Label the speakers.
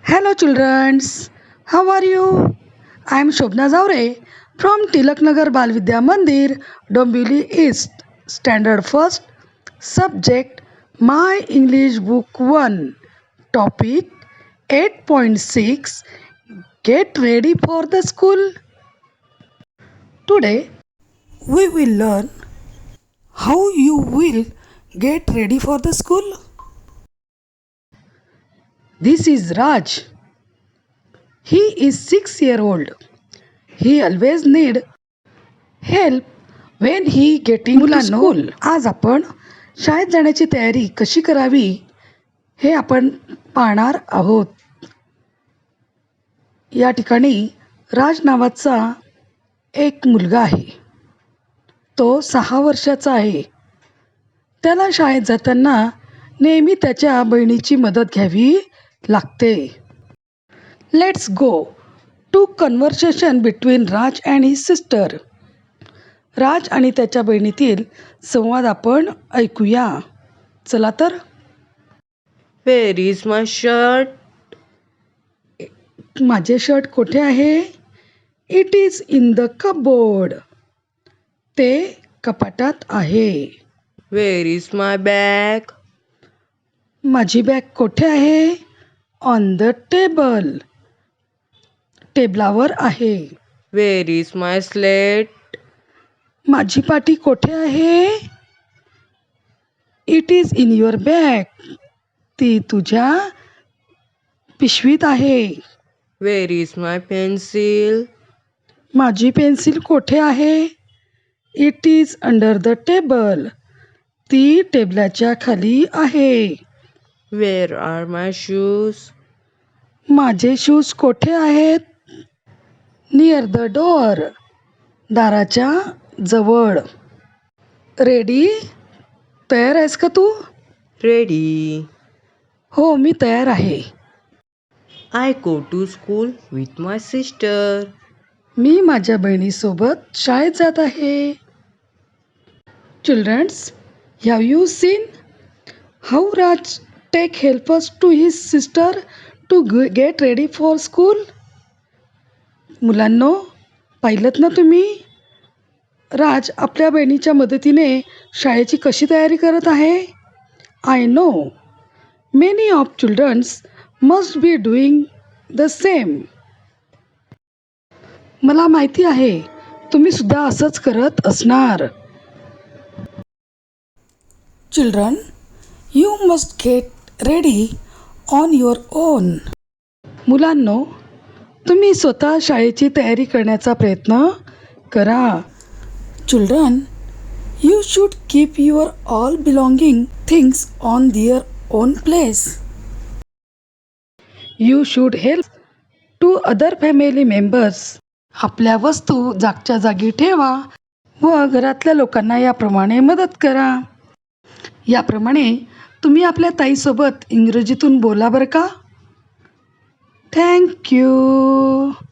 Speaker 1: Hello, childrens. How are you? I am Shobna Zaure from Tilaknagar Bal Vidya Mandir, Dombivli East, Standard First, Subject My English Book 1, Topic 8.6. Get ready for the school. Today we will learn how you will get ready for the school. This is Raj. He is 6 years old. He always need help when he getting to school. आज आपण शाळेत जाण्याची तयारी कशी करावी हे आपण पाहणार आहोत. या ठिकाणी राज नावाचा एक मुलगा आहे. तो 6 वर्षाचा आहे. त्याला शाळेत जाताना नेहमी त्याच्या बहिणीची मदत घ्यावी लागते. Let's go to conversation between Raj and his sister. Raj आणि त्याच्या बहिणीतील संवाद आपण ऐकूया. चला तर.
Speaker 2: Where is my shirt?
Speaker 1: माझे शर्ट कुठे आहे? It is in the cupboard. ते कपाटात आहे.
Speaker 2: Where is my bag?
Speaker 1: माझी बॅग कुठे आहे? On the table. टेबलावर आहे.
Speaker 2: Where is my slate?
Speaker 1: माझी पाटी कुठे आहे? It is in your bag. ती तुझ्या पिशवीत आहे.
Speaker 2: Where is my pencil?
Speaker 1: माझी पेन्सिल कुठे आहे? It is under the table. ती टेबलाच्या खाली आहे.
Speaker 2: Where are my shoes?
Speaker 1: माझे शूज कुठे आहेत? Near the door. दाराच्या जवळ. रेडी? तयार आहेस का तू?
Speaker 2: Ready.
Speaker 1: हो, मी तयार आहे.
Speaker 2: I go to school with my sister.
Speaker 1: मी माझ्या बहिणीसोबत शाळेत जात आहे. Childrens, have you seen how Raj take helpers to his sister to get ready for school? मुलांनो, पाहिलंत ना तुम्ही? राज आपल्या बहिणीच्या मदतीने शाळेची कशी तयारी करत आहे. I know many of childrens must be doing the same. मला माहिती आहे तुम्ही सुद्धा असंच करत असणार. Children, you must get ready on your own. मुलांनो, तुम्ही स्वतः शाळेची तयारी करण्याचा प्रयत्न करा. Children, you should keep your all belonging things on their own place. You should help to other family members. आपल्या वस्तू जागच्या जागी ठेवा व घरातल्या लोकांना याप्रमाणे मदत करा. याप्रमाणे तुम्ही आपल्या ताईसोबत इंग्रजीतून बोला बरं का. Thank you.